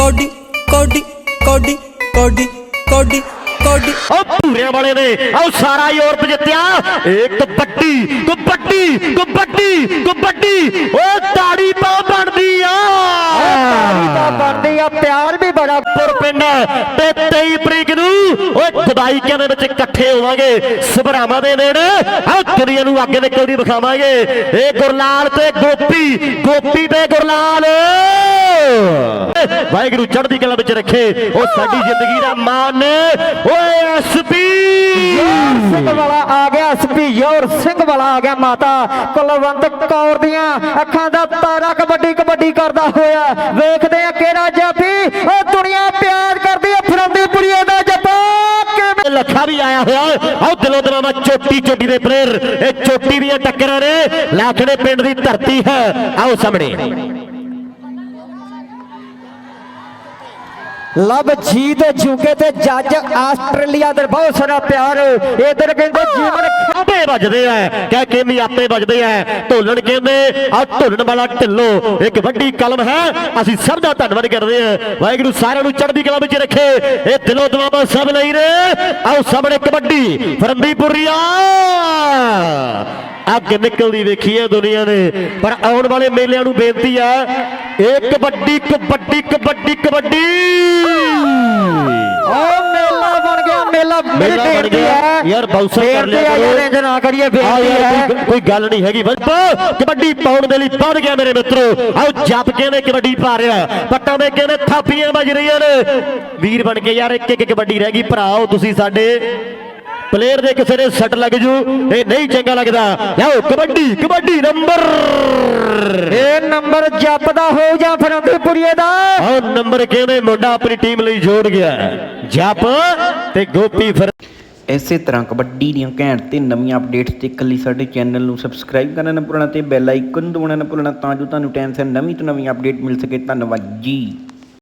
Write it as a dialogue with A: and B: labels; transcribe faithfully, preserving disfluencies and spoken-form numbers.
A: कौडी कौडी कौडी कौडी कौडी कौडी
B: पूरे वाले ने और सारा यूरोप जितया एक कबड्डी कबड्डी कबड्डी कबड्डी ओ ताड़ी पा बनदी आ
C: ਤਾੜੀ ਤਾਂ ਬਣਦੀ ਆ ਪਿਆਰ ਵੀ ਬੜਾ
B: ਪੁਰ ਪਿੰਡ ਤੇ ਤੇਈ ਤਰੀਕ ਨੂੰ ਓਏ ਦਵਾਈਆਂ ਦੇ ਵਿੱਚ ਇਕੱਠੇ ਹੋਵਾਂਗੇ ਸਭਰਾਵਾਂ ਦੇ ਨੇੜੇ ਆ ਦੁਨੀਆ ਨੂੰ ਅੱਗੇ ਨਿਕਲਦੀ ਵਿਖਾਵਾਂਗੇ ਇਹ ਗੁਰਲਾਲ ਤੇ ਗੋਪੀ ਗੋਪੀ ਤੇ ਗੁਰਲਾਲ ਵਾਹਿਗੁਰੂ ਚੜ੍ਹਦੀ ਕਲਾ ਵਿੱਚ ਰੱਖੇ ਉਹ ਸਾਡੀ ਜ਼ਿੰਦਗੀ ਦਾ ਮਾਨ ਓਏ ਐਸਪੀ
C: ਸਿੰਘ ਵਾਲਾ ਆ ਗਿਆ ਐਸਪੀ ਯੋਰ ਸਿੰਘ ਵਾਲਾ ਆ ਗਿਆ ਮਾਤਾ ਕੁਲਵੰਤ ਕੌਰ ਦੀਆਂ ਅੱਖਾਂ ਦਾ ਤਾਰਾ ਕਬੱਡੀ ਕਬੱਡੀ ਕਰਦਾ ਹੋਇਆ ਵੇਖਦੇ ਆ ਕਿਹੜਾ ਜਾਫੀ ਉਹ ਦੁਨੀਆ ਪਿਆਰ ਕਰਦੀ ਆ ਫਰੰਦੀਪੁਰੀਏ ਦਾ ਜੱਪਾ ਕਿਵੇਂ
B: ਲੱਖਾ ਵੀ ਆਇਆ ਹੋਇਆ ਆਹ ਦਿਲੋਂ ਦਿਲਾਂ ਦਾ ਚੋਟੀ ਚੋਟੀ ਦੇ ਪਲੇਅਰ ਇਹ ਚੋਟੀ ਦੀਆਂ ਟੱਕਰਾਂ ਨੇ ਲਾਖੜੇ ਪਿੰਡ ਦੀ ਧਰਤੀ ਹੈ ਆਓ ਸਾਹਮਣੇ
C: ਲਵ ਜੀਤ ਜੁਗੇ ਤੇ ਜੱਜ ਆਸਟ੍ਰੇਲੀਆ ਦੇ ਬਹੁਤ ਸਾਰਾ ਪਿਆਰ ਇਧਰ ਕਹਿੰਦੇ ਜੀਵਨ
B: ਖਾਂਬੇ ਵੱਜਦੇ ਆ ਕਹਿ ਕੇ ਵੀ ਆਪੇ ਵੱਜਦੇ ਆ ਢੋਲਣ ਕਹਿੰਦੇ ਆ ਢੋਲਣ ਵਾਲਾ ਢਿੱਲੋ ਇੱਕ ਵੱਡੀ ਕਲਮ ਹੈ ਅਸੀਂ ਸਭ ਦਾ ਧੰਨਵਾਦ ਕਰਦੇ ਆ ਵਾਹਿਗੁਰੂ ਸਾਰਿਆਂ ਨੂੰ ਚੜ੍ਹਦੀ ਕਲਾ ਵਿੱਚ ਰੱਖੇ ਇਹ ਦਿਲੋਂ ਦੁਆਵਾਂ ਸਭ ਲਈ ਨੇ ਆਓ ਸਾਹਮਣੇ ਕਬੱਡੀ ਫਰੰਦੀਪੁਰੀਆ ਅੱਗ ਨਿਕਲਦੀ ਵੇਖੀ ਹੈ ਦੁਨੀਆ ਨੇ ਪਰ ਆਉਣ ਵਾਲੇ ਮੇਲਿਆਂ ਨੂੰ ਬੇਨਤੀ ਆ ਇਹ ਕਬੱਡੀ ਕਬੱਡੀ ਕਬੱਡੀ ਕਬੱਡੀ
C: ਓ ਮੇਲਾ ਬਣ ਗਿਆ ਮੇਲਾ
B: ਮੇਲਾ ਬਣ ਗਿਆ ਯਾਰ ਬਾਉਂਸਰ ਕਰ ਲਿਆ ਕਰੋ
C: ਯਾਰ ਇੰਜ ਨਾ ਕਰੀਏ ਬੇਇੱਜ਼ਤੀ ਹੈ
B: ਕੋਈ ਗੱਲ ਨਹੀਂ ਹੈਗੀ ਬਸ ਕਬੱਡੀ ਪਾਉਣ ਦੇ ਲਈ ਵੱਧ ਗਿਆ ਮੇਰੇ ਮਿੱਤਰੋ ਆਓ ਜੱਪ ਕਹਿੰਦੇ ਕਬੱਡੀ ਪਾ ਰਿਹਾ ਪੱਟਾਂ ਦੇ ਕਹਿੰਦੇ ਥਾਪੀਆਂ ਵੱਜ ਰਹੀਆਂ ਨੇ ਵੀਰ ਬਣ ਕੇ ਯਾਰ ਇੱਕ ਇੱਕ ਕਬੱਡੀ ਰਹਿ ਗਈ ਭਰਾਓ ਤੁਸੀਂ ਸਾਡੇ ਪਲੇਅਰ ਦੇ ਕਿਸੇ ਦੇ ਸੱਟ ਲੱਗ ਜੂ ਇਹ ਨਹੀਂ ਚੰਗਾ ਲੱਗਦਾ ਲਓ ਕਬੱਡੀ ਕਬੱਡੀ ਨੰਬਰ
C: ਇਹ ਨੰਬਰ ਜੱਪ ਦਾ ਹੋ ਜਾਂ ਫਰੰਦੀਪੁਰੀਏ ਦਾ
B: ਆਹ ਨੰਬਰ ਕਹਿੰਦੇ ਮੁੰਡਾ ਆਪਣੀ ਟੀਮ ਲਈ ਜੋੜ ਗਿਆ ਜੱਪ ਤੇ ਗੋਪੀ ਫਿਰ
D: ਇਸੇ ਤਰ੍ਹਾਂ ਕਬੱਡੀ ਦੀਆਂ ਘੈਂਟ ਤੇ ਨਵੀਆਂ ਅਪਡੇਟਸ ਦੇਖਣ ਲਈ ਸਾਡੇ ਚੈਨਲ ਨੂੰ ਸਬਸਕ੍ਰਾਈਬ ਕਰਨਾ ਨਾ ਭੁੱਲਣਾ ਤੇ ਬੈਲ ਆਈਕਨ ਦਬਾਉਣਾ ਨਾ ਭੁੱਲਣਾ ਤਾਂ ਜੋ ਤੁਹਾਨੂੰ ਟਾਈਮ ਸਿਰ ਨਵੀਂ ਤੋਂ ਨਵੀਂ ਅਪਡੇਟ ਮਿਲ ਸਕੇ ਧੰਨਵਾਦ ਜੀ।